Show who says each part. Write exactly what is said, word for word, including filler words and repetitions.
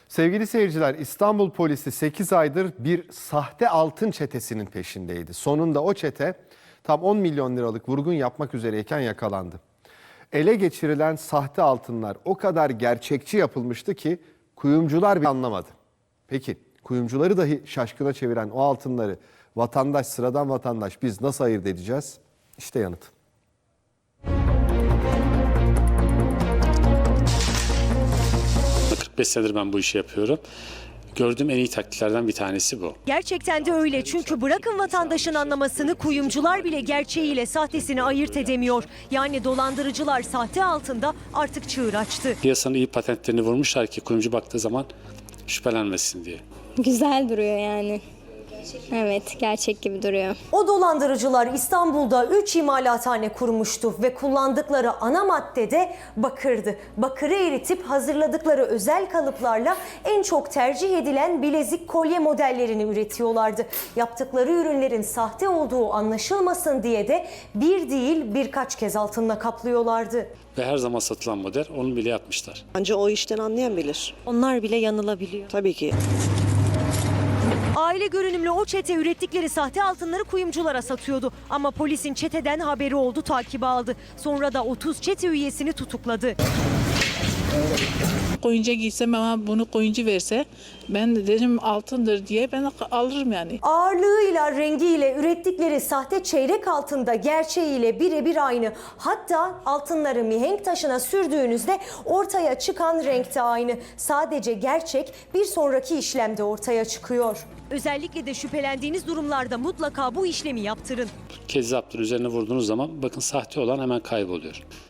Speaker 1: Sevgili seyirciler, İstanbul polisi sekiz aydır bir sahte altın çetesinin peşindeydi. Sonunda o çete tam on milyon liralık vurgun yapmak üzereyken yakalandı. Ele geçirilen sahte altınlar o kadar gerçekçi yapılmıştı ki kuyumcular bile anlamadı. Peki kuyumcuları dahi şaşkına çeviren o altınları vatandaş, sıradan vatandaş biz nasıl ayırt edeceğiz? İşte yanıt.
Speaker 2: kırk beş senedir ben bu işi yapıyorum. Gördüğüm en iyi taktiklerden bir tanesi bu.
Speaker 3: Gerçekten de öyle, çünkü bırakın vatandaşın anlamasını, kuyumcular bile gerçeğiyle sahtesini ayırt edemiyor. Yani dolandırıcılar sahte altında artık çığır açtı.
Speaker 2: Piyasanın iyi patentlerini vurmuşlar ki kuyumcu baktığı zaman şüphelenmesin diye.
Speaker 4: Güzel duruyor yani. Evet, gerçek gibi duruyor.
Speaker 3: O dolandırıcılar İstanbul'da üç imalathane kurmuştu ve kullandıkları ana madde de bakırdı. Bakırı eritip hazırladıkları özel kalıplarla en çok tercih edilen bilezik, kolye modellerini üretiyorlardı. Yaptıkları ürünlerin sahte olduğu anlaşılmasın diye de bir değil birkaç kez altınla kaplıyorlardı.
Speaker 2: Ve her zaman satılan model onu bile yapmışlar.
Speaker 5: Ancak o işten anlayan bilir.
Speaker 3: Onlar bile yanılabiliyor.
Speaker 5: Tabii ki.
Speaker 3: Aile görünümlü o çete ürettikleri sahte altınları kuyumculara satıyordu. Ama polisin çeteden haberi oldu, takibe aldı. Sonra da otuz çete üyesini tutukladı.
Speaker 6: Koyunca giysem ama bunu koyuncu verse ben de derim altındır diye ben alırım yani.
Speaker 3: Ağırlığıyla, rengiyle ürettikleri sahte çeyrek altında gerçeğiyle birebir aynı. Hatta altınları mihenk taşına sürdüğünüzde ortaya çıkan renk de aynı. Sadece gerçek bir sonraki işlemde ortaya çıkıyor. Özellikle de şüphelendiğiniz durumlarda mutlaka bu işlemi yaptırın.
Speaker 2: Kezzaptır üzerine vurduğunuz zaman bakın sahte olan hemen kayboluyor.